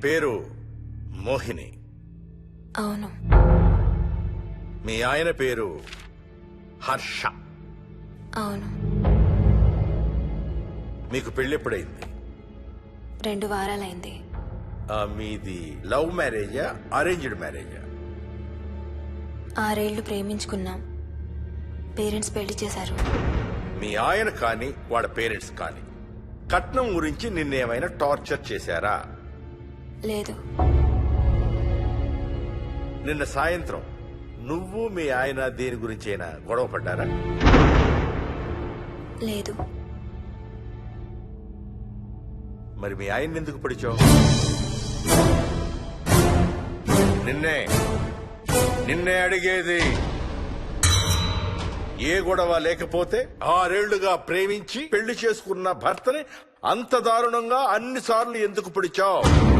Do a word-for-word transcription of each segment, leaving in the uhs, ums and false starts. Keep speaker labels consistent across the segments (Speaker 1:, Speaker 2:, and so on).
Speaker 1: పేరు మోహిని.
Speaker 2: అవును.
Speaker 1: మీ ఆయన పేరు హర్ష.
Speaker 2: అవును.
Speaker 1: మీకు పెళ్ళెప్పుడైంది?
Speaker 2: రెండు వారాలైంది.
Speaker 1: ఆ, మీది లవ్ మ్యారేజా అరేంజ్డ్ మ్యారేజా?
Speaker 2: ఆరేళ్లు ప్రేమించుకున్నాం. పేరెంట్స్ పెళ్లి చేశారు.
Speaker 1: మీ ఆయన కానీ వాళ్ళ పేరెంట్స్ కానీ కట్నం గురించి నిన్నేమైనా టార్చర్ చేశారా?
Speaker 2: లేదు.
Speaker 1: నిన్న సాయంత్రం నువ్వు మీ ఆయన దేని గురించి అయినా గొడవ పడ్డారా?
Speaker 2: లేదు.
Speaker 1: మరి మీ ఆయన ఎందుకు పడిచావు? నిన్నే నిన్నే అడిగేది. ఏ గొడవ లేకపోతే ఆరేళ్లుగా ప్రేమించి పెళ్లి చేసుకున్న భర్తని అంత దారుణంగా అన్నిసార్లు ఎందుకు పిడిచావు?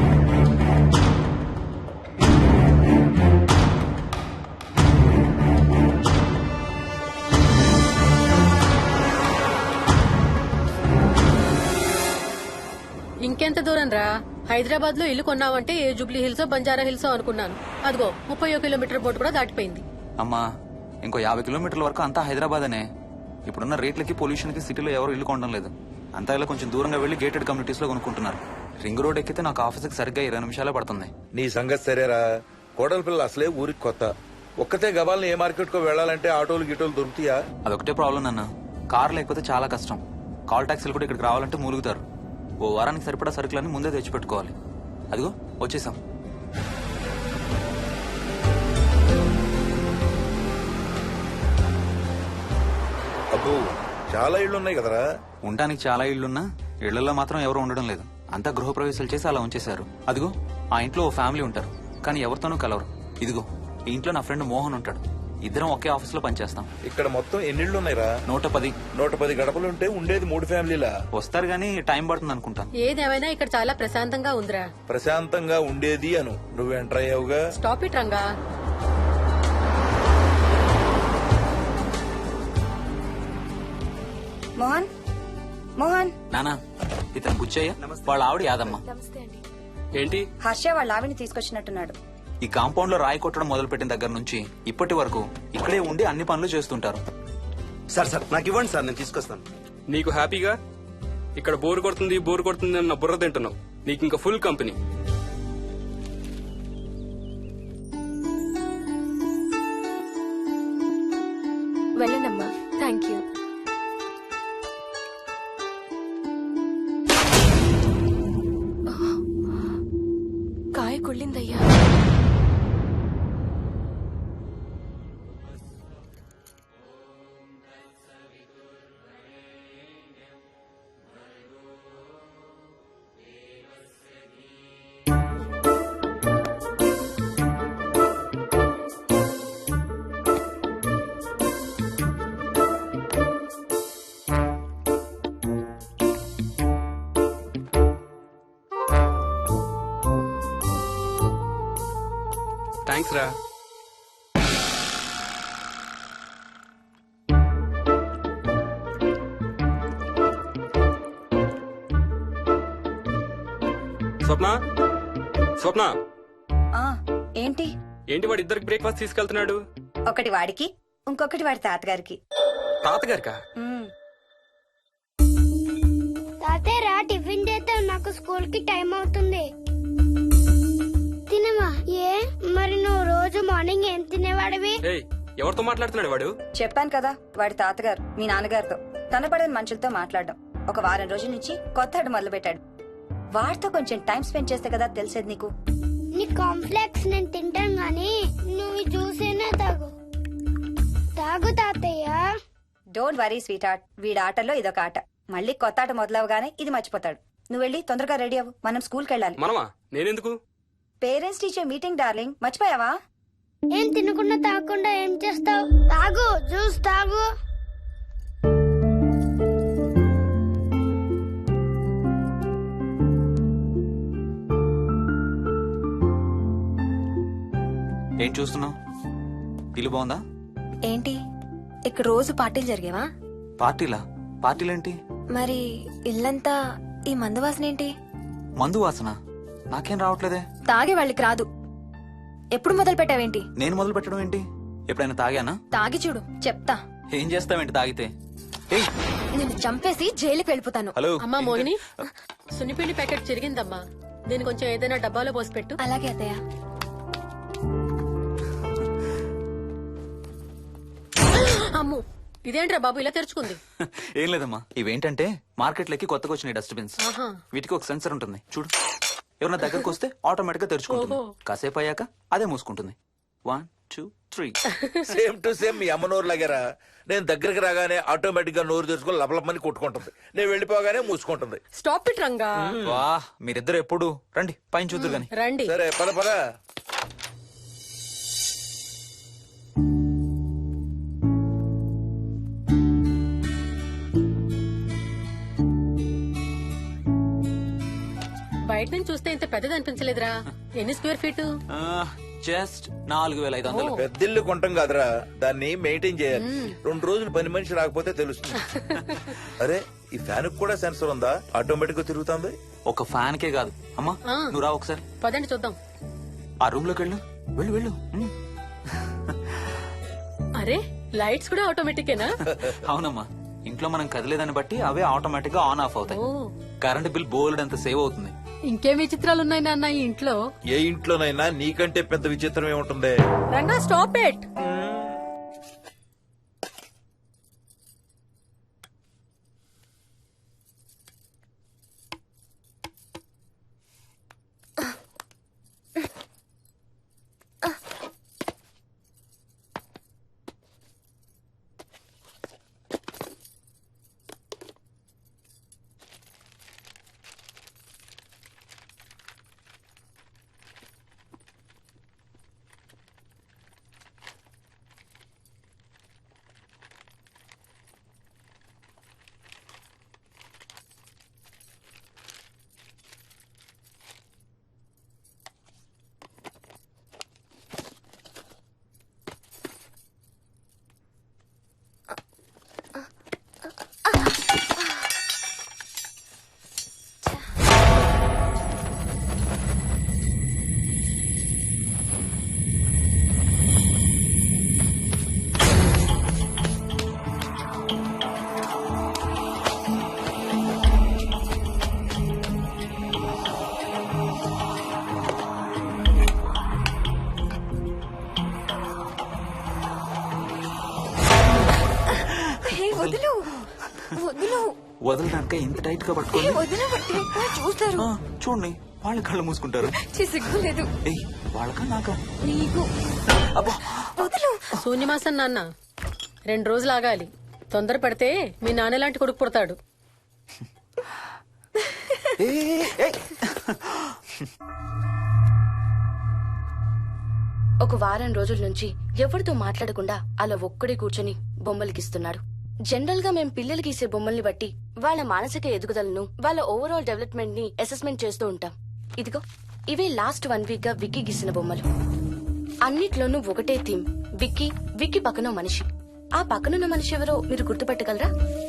Speaker 3: ఇంకెంత దూరం రా? హైదరాబాద్ లో ఇల్లు కొన్నావంటే ఏ జూబ్లీ హిల్స్ బంజారా హిల్స్ అనుకున్నాను. అదిగో ముప్పై కిలోమీటర్ బోర్డు కూడా దాటిపోయింది.
Speaker 4: అమ్మా, ఇంకో యాభై కిలోమీటర్ల వరకు అంతా హైదరాబాద్ అనే. ఇప్పుడున్న రేట్లకి పొల్యూషన్ కి సిటీలో ఎవరు ఇల్లు కొనడం లేదు. అంతా ఇలా కొంచెం దూరంగా వెళ్లి గేటెడ్ కమ్యూనిటీస్ లో కొనుక్కుంటున్నారు. రింగ్ రోడ్ ఎక్కితే నాకు ఆఫీస్కి సరిగ్గా ఇరవై నిమిషాలే పడుతుంది.
Speaker 5: నీ సంగతి సరేరా, కోడల పిల్ల అసలే ఊరికి కొత్త. ఒక్కతే గబాల్ని ఏ మార్కెట్ కో వెళ్లాలంటే ఆటోలు గిటోలు దొరుకుతాయా?
Speaker 4: అదొకటే ప్రాబ్లం నాన్న. కార్ లేకపోతే చాలా కష్టం. కాల్ టాక్సీలు కూడా ఇక్కడికి రావాలంటే మూలుగుతారు. ఓ వారానికి సరిపడా సరుకులన్నీ ముందే తెచ్చిపెట్టుకోవాలి. అదిగో వచ్చేసాం.
Speaker 5: అబ్బో, చాలా ఇళ్లు ఉన్నాయి కదరా.
Speaker 4: ఉండడానికి చాలా ఇళ్లున్నా ఇళ్లలో మాత్రం ఎవరు ఉండడం లేదు. అంతా గృహప్రవేశాలు చేసి అలా ఉంచేశారు. అదిగో ఆ ఇంట్లో ఓ ఫ్యామిలీ ఉంటారు, కానీ ఎవరితోనూ కలవరు. ఇదిగో ఈ ఇంట్లో నా ఫ్రెండ్ మోహన్ ఉంటాడు. ఇద్దరం ఒకే ఆఫీస్ లో పనిచేస్తాం.
Speaker 5: ఇక్కడ మొత్తం ఎన్నిళ్ళు ఉన్నాయిరా?
Speaker 4: నూట పది
Speaker 5: నూట పది గడపలుంటే ఉండేది మూడు ఫ్యామిలీలా.
Speaker 4: వస్తారు గానీ టైం పడుతుంది అనుకుంటాను.
Speaker 3: ఏదేమైనా ఇక్కడ చాలా ప్రశాంతంగా ఉందిరా.
Speaker 5: ప్రశాంతంగా ఉండేది అను, నువ్వు ఎంటర్ అయ్యావుగా.
Speaker 3: Stop it Ranga.
Speaker 6: మోహన్, మోహన్.
Speaker 4: నానా, ఇతను బుచ్చయ్య, వాళ్ళ ఆవిడ యాదమ్మ.
Speaker 7: ఏంటి?
Speaker 6: హర్ష వాళ్ళ ఆవిని తీసుకొచ్చినట్టున్నాడు.
Speaker 4: ఈ కాంపౌండ్ లో రాయి కొట్టడం మొదలు పెట్టిన దగ్గర నుంచి ఇప్పటి వరకు ఇక్కడే ఉండి అన్ని పనులు చేస్తుంటారు.
Speaker 8: సార్ సార్ నాకు ఇవ్వండి సార్, నేను తీసుకొస్తాను.
Speaker 7: నీకు హ్యాపీగా ఇక్కడ బోర్ కొడుతుంది బోర్ కొడుతుంది అన్న బుర్ర తింటున్నావు. నీకు ఇంకా ఫుల్ కంపెనీ.
Speaker 2: వెళ్ళండమ్మా. Thank you. కాయ కుళ్ళిందయ్యా.
Speaker 7: థ్యాంక్స్ రా. స్వప్న, స్వప్న.
Speaker 6: ఆ ఏంటి?
Speaker 7: ఏంటి వాడి ఇద్దరికి బ్రేక్ఫాస్ట్ తీసుకెళ్తున్నాడు?
Speaker 6: ఒకటి వాడికి, ఇంకొకటి వాడి తాతగారికి.
Speaker 7: తాతగారికా?
Speaker 6: ఉమ్.
Speaker 9: తాతయ్య టిఫిన్ చేద్దాం, నాకు స్కూల్ కి టైం అవుతుంది. తినమా? ఏ మరి నువ్వు రోజు మార్నింగ్ ఏం తినేవాడివి?
Speaker 7: ఏయ్, ఎవరితో మాట్లాడుతున్నాడు వాడు?
Speaker 6: చెప్పాను కదా, వాడి తాతగారు మీ నాన్నగారితో కనపడని మనుషులతో మాట్లాడడం. ఒక వారం రోజుల నుంచి కొత్త మొదలు పెట్టాడు. వాడితో కొంచెం టైం స్పెండ్ చేస్తే కదా తెలిసేది నీకు.
Speaker 9: నీ కాంప్లెక్స్ నేను తింటాను గానీ నువ్వు చూసేనే తాగు. తాగు తాతయ్య.
Speaker 6: డోంట్ వరీ స్వీట్ హార్ట్, వీడి ఆటల్లో ఇదొక ఆట. మళ్ళీ కొత్త ఆట మొదలవగానే ఇది మర్చిపోతాడు. నువ్వు వెళ్ళి తొందరగా రెడీ అవ్వు, మనం స్కూల్కి వెళ్ళాలి.
Speaker 7: మనమా? నేనెందుకు?
Speaker 6: పేరెంట్స్ టీచర్ మీటింగ్ డార్లింగ్, మర్చిపోయావా?
Speaker 9: ఏం తినకుండా తాగకుండా ఏం చేస్తావు? తాగు, జ్యూస్ తాగు.
Speaker 4: ఏం చూస్తున్నావు? ఇల్లు బాగుందా?
Speaker 2: ఏంటి ఇక్కడ రోజు పార్టీలు జరిగేవా?
Speaker 4: పార్టీలా? పార్టీలేంటి?
Speaker 2: మరి ఇల్లంతా ఈ మందు వాసన ఏంటి?
Speaker 4: మందు వాసన? నాకేం రావట్లేదే.
Speaker 2: తాగే వాళ్ళకి రాదు. ఎప్పుడు మొదలు పెట్టావేంటి?
Speaker 4: నేను మొదలు పెట్టడం ఏంటి? ఎప్పుడైనా తాగానా?
Speaker 2: తాగి చూడు, చెప్తా.
Speaker 4: ఏం చేస్తావేంటి తాగితే? ఏయ్,
Speaker 2: నిన్ను చంపేసి జైలుకి వెళ్ళిపోతాను.
Speaker 4: హలో.
Speaker 3: అమ్మా మోహిని, సున్నిపిండి ప్యాకెట్ చిరిగిందమ్మా. దీని కొంచెం ఏదైనా డబ్బాలో పోసి పెట్టు.
Speaker 2: అలాగే అత్తయ్య.
Speaker 3: అమ్ము, ఇదేంట్రా బాబు ఇలా తెరుచుకుంది?
Speaker 4: ఏం లేదమ్మా, ఇవేంటంటే మార్కెట్లోకి కొత్తగా వచ్చినాయి డస్ట్బిన్స్.
Speaker 3: ఆహా.
Speaker 4: వీటికి ఒక సెన్సర్ ఉంటుంది చూడు. ఎవరైనా దగ్గరకు వస్తే ఆటోమేటిక్ గా తెరుచుకుంటుంది.
Speaker 3: ఓహో.
Speaker 4: కాసేపు అయ్యాక అదే మూసుకుంటుంది. One two three.
Speaker 5: Same to same మీ అమ్మ నోరు లాగారా. నేను దగ్గరికి రాగానే ఆటోమేటిక్ గా నోరు తెరుచుకొని లపలపమని కొట్టుకుంటుంది. నేను వెళ్ళిపోగానే మూసుకుంటుంది.
Speaker 3: Stop it Ranga.
Speaker 4: వా, మీరిద్దరు ఎప్పుడు రండి పైన చూద్దరు గాని.
Speaker 3: రండి.
Speaker 5: సరే పద పద.
Speaker 3: బయట నుంచి చూస్తే ఇంత పెద్దది అనిపించలేదురా. ఎన్ని స్క్వేర్ ఫీట్?
Speaker 4: జస్ట్ నాలుగు వేల ఐదు వందలు.
Speaker 5: పెద్దిల్లు కొంటాం కాదురా, దాన్ని మెయింటైన్ చేయాలి. రెండు రోజులు పని మనిషి రాకపోతే తెలుస్తుంది. అరే ఈ ఫ్యాన్ కూడా సెన్సర్ ఉందా? ఆటోమేటిక్ గా తిరుగుతుంది.
Speaker 4: ఒక ఫ్యాన్ కే కాదు. అమ్మా
Speaker 3: ఆ.
Speaker 4: నువ్వు రా ఒకసారి.
Speaker 3: పదండి చూద్దాం.
Speaker 4: ఆ రూమ్ లోకి వెళ్ళు. వెళ్ళు వెళ్ళు. ఉమ్.
Speaker 3: అరే లైట్స్ కూడా ఆటోమేటికేనా?
Speaker 4: అవునమ్మా, ఇంట్లో మనం కదిలేదాన్ని బట్టి అవే ఆటోమేటిక్ గా ఆన్ ఆఫ్ అవుతాయి.
Speaker 3: ఓ.
Speaker 4: కరెంట్ బిల్ బోల్డ్ అంత సేవ్ అవుతుంది.
Speaker 3: ఇంకేం విచిత్రాలు ఉన్నాయి నాన్న ఈ ఇంట్లో?
Speaker 5: ఏ ఇంట్లోనైనా నీకంటే పెద్ద విచిత్రం ఏముంటుంది?
Speaker 3: Ranga stop it.
Speaker 2: వదులు వదులు
Speaker 4: వదలడానికే ఇంత టైట్ గా పట్టుకోండి.
Speaker 2: వదిలి చూస్తారు.
Speaker 4: ఆ, చూడండి వాళ్ళ కళ్ళు మూసుకుంటారు.
Speaker 2: సిగ్గులేదు
Speaker 4: ఏయ్, వాళ్ళకా నాకా?
Speaker 2: నీకు.
Speaker 4: అబ్బా,
Speaker 2: వదులు.
Speaker 3: శూన్యమాసం నాన్న, రెండు రోజులు ఆగాలి. తొందర పడితే మీ నాన్న లాంటి కొడుకు పుడతాడు.
Speaker 4: ఏయ్, ఏయ్.
Speaker 10: ఒక వారం రోజుల నుంచి ఎవరితో మాట్లాడకుండా అలా ఒక్కడే కూర్చొని బొమ్మలు గీస్తున్నాడు. జనరల్ గా మేం పిల్లలు గీసే బొమ్మల్ని బట్టి వాళ్ళ మానసిక ఎదుగుదలను, వాళ్ళ ఓవరాల్ డెవలప్మెంట్ ని అసెస్మెంట్ చేస్తూ ఉంటాం. ఇదిగో ఇవే లాస్ట్ వన్ వీక్ గా విక్కీ గీసిన బొమ్మలు. అన్నిట్లోనూ ఒకటే థీమ్, విక్కీ, విక్కీ పక్కన మనిషి. ఆ పక్కనున్న మనిషి ఎవరో మీరు గుర్తుపట్టగలరా?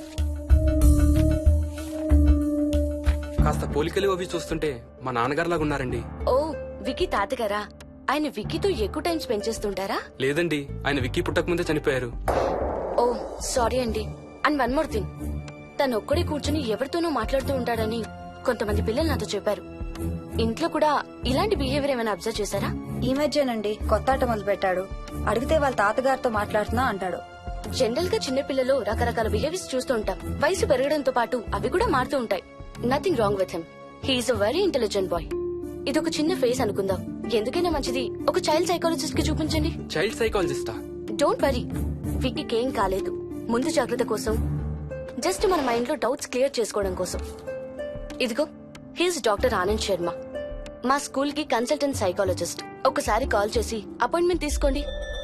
Speaker 7: కాస్త పోలికలు అవి చూస్తుంటే మా నాన్నగారులాగా ఉన్నారండి.
Speaker 10: ఓ, విక్కీ తాతగారా? ఆయన విక్కీతో ఎక్కువ టైం స్పెండ్ చేస్తుంటారా?
Speaker 7: లేదండి, ఆయన విక్కీ పుట్టక ముందే చనిపోయారు.
Speaker 10: ఓ సారీ అండి. అండ్ వన్ మోర్ థింగ్, తను ఒక్కడే కూర్చుని ఎవరితోనూ మాట్లాడుతూ ఉంటాడని కొంతమంది పిల్లలు నాతో చెప్పారు. ఇంట్లో కూడా ఇలాంటి బిహేవియర్ ఏమైనా అబ్జర్వ్ చేశారా?
Speaker 6: ఈ మధ్యనండి కొత్త ఆట మొదలు పెట్టాడు. అడిగితే వాళ్ళ తాతగారితో మాట్లాడుతున్నా అంటాడు.
Speaker 10: జనరల్ గా చిన్న పిల్లలు రకరకాల బిహేవియర్స్ చూస్తూ ఉంటాం. వయసు పెరగడంతో పాటు అవి కూడా మారుతూ ఉంటాయి. Nothing wrong with him. He's a very intelligent boy. ఇదొక చిన్న ఫేస్ అనుకుందాం. ఎందుకైనా మంచిది ఒక చైల్డ్ సైకాలజిస్ట్ కి చూపించండి.
Speaker 7: చైల్డ్ సైకాలజిస్టా?
Speaker 10: డోంట్ వరీ, విక్కీకి ఏం కాలేదు. ముందు జాగ్రత్త కోసం, జస్ట్ మన మైండ్ లో డౌట్స్ క్లియర్ చేసుకోవడం కోసం. ఇదిగో హీస్ డాక్టర్ ఆనంద్ శర్మ, మా స్కూల్ కి కన్సల్టెంట్ సైకాలజిస్ట్. ఒకసారి కాల్ చేసి అపాయింట్మెంట్ తీసుకోండి.